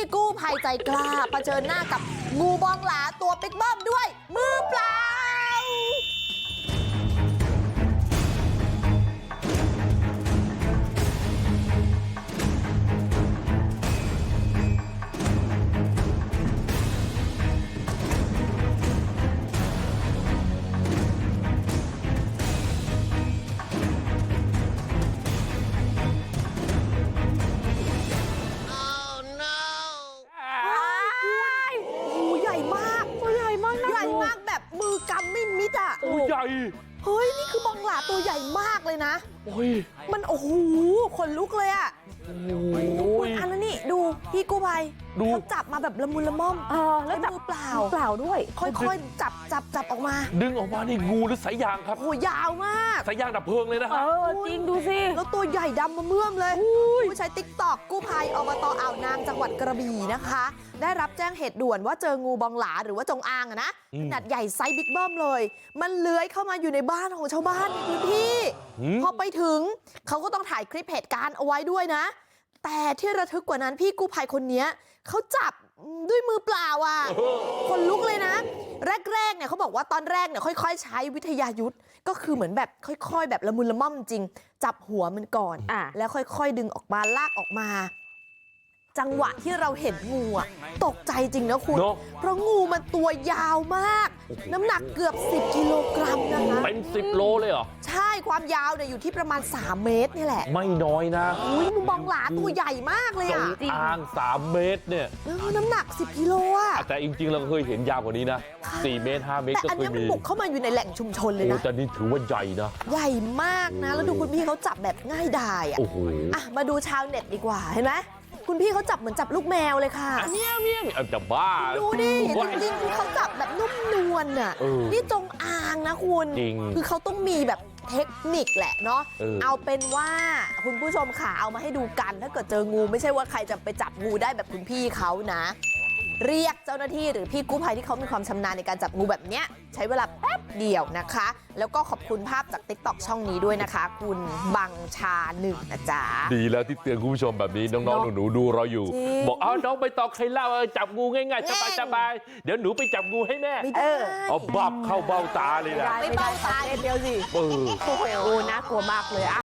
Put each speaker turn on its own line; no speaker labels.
กู้ภัยใจกล้าเผชิญหน้ากับงูบองหลาตัวบิ๊กเบิ้มด้วยมือเปล่างูใหญ่มากตัวใหญ่มากนะใหญ่มากแบบมือกำไม่มิดอ่ะ
โอ้ใหญ่
เฮ้ยนี่คือบองหลาตัวใหญ่มากเลยนะ
โอ้ย
มันโอ้โหขนลุกเลยอ่ะ
โอ้ย
อันนั้นนี่ดูพี่กู้ภัย
ดู
เขาจับมาแบบละมุนละม่อม
แล้ว
มือเปล่า
เปล่าด้วย
ค่อยๆจับออกมา
ดึงออกมานี่งูหรือสายยางครับ
โอ้ยาวมาก
สายยางดับเพลิงเลยนะฮะ
จริงดูสิ
แล้วตัวใหญ่ดำมาเมื่อมเลยผู้ใช้ติ๊กตอกกู้ภัยอบตอ่าวนางจังหวัดกระบี่นะคะ ได้รับแจ้งเหตุด่วนว่าเจองูบองหลาหรือว่าจงอางอะนะขนาดใหญ่ไซส์บิ๊กเบิ้มเลย มันเลื้อยเข้ามาอยู่ในบ้านของชาวบ้านในพื้นที่พอไปถึงเขาก็ต้องถ่ายคลิปเหตุการณ์เอาไว้ด้วยนะ แต่ที่ระทึกกว่านั้นพี่กู้ภัยคนนี้เขาจับด้วยมือเปล่าอ่ะคนลุกเลยนะแรกๆเนี่ยเขาบอกว่าตอนแรกเนี่ยค่อยๆใช้วิทยายุทธก็คือเหมือนแบบค่อยๆแบบละมุนละม่อมจริงจับหัวมันก่อนแล้วค่อยๆดึงออกมาลากออกมาจังหวะที่เราเห็นงูอ่ะตกใจจริงนะคุณเพราะงูมันตัวยาวมากน้ำหนักเกือบ10 กิโลกรัมนะคะ
เป็น10 โลเลยเหรอ
ใช่ความยาวเนี่ยอยู่ที่ประมาณ3 เมตรนี่แหละ
ไม่น้อยนะ
อุ้ยงูบองหลาตัวใหญ่มากเลยอ่ะ
จงอาง3 เมตรเนี่ย
น้ำหนัก10 กิโลอ่ะ
แต่จริงๆเราเคยเห็นยาวกว่านี้นะ4 เมตร 5 เมตรก็เคยมีแต่อันนี้
มันบุกเข้ามาอยู่ในแหล่งชุมชนเลยนะ
แต่นี่ถือว่าใหญ่นะ
ใหญ่มากนะแล้วดูคุณพี่เขาจับแบบง่ายดายอ่ะ
โอ้โห
มาดูชาวเน็ตดีกว่าเห็นไหมคุณพี่เขาจับเหมือนจับลูกแมวเลยค่ะ
เมียวเมียวจะบ้า
ดูดิจริงๆเขาจับแบบนุ่มนวลน่ะนี่จงอางนะคุณคือเขาต้องมีแบบเทคนิคแหละเนาะเอาเป็นว่าคุณผู้ชมค่ะเอามาให้ดูกันถ้าเกิดเจองูไม่ใช่ว่าใครจะไปจับงูได้แบบคุณพี่เขานะเรียกเจ้าหน้าที่หรือพี่กู้ภัยที่เขามีความชำนาญในการจับงูแบบเนี้ยใช้เวลาแป๊บเดียวนะคะแล้วก็ขอบคุณภาพจาก TikTok ช่องนี้ด้วยนะคะคุณบังชาหนึ่งนะจ๊ะ
ดีแล้วที่เตือนคุณผู้ชมแบบนี้น้องๆหนูๆดูเราอยู่บอกน้องใบตองใครเล่าจับงูง่ายๆสบายๆเดี๋ยวหนูไปจับงูให้แม่เอาบับเข้าเบ้าตาเลยนะ
ไม่เบ้าตาเดียวสิ
โอ้โหน่ากลัวมากเลย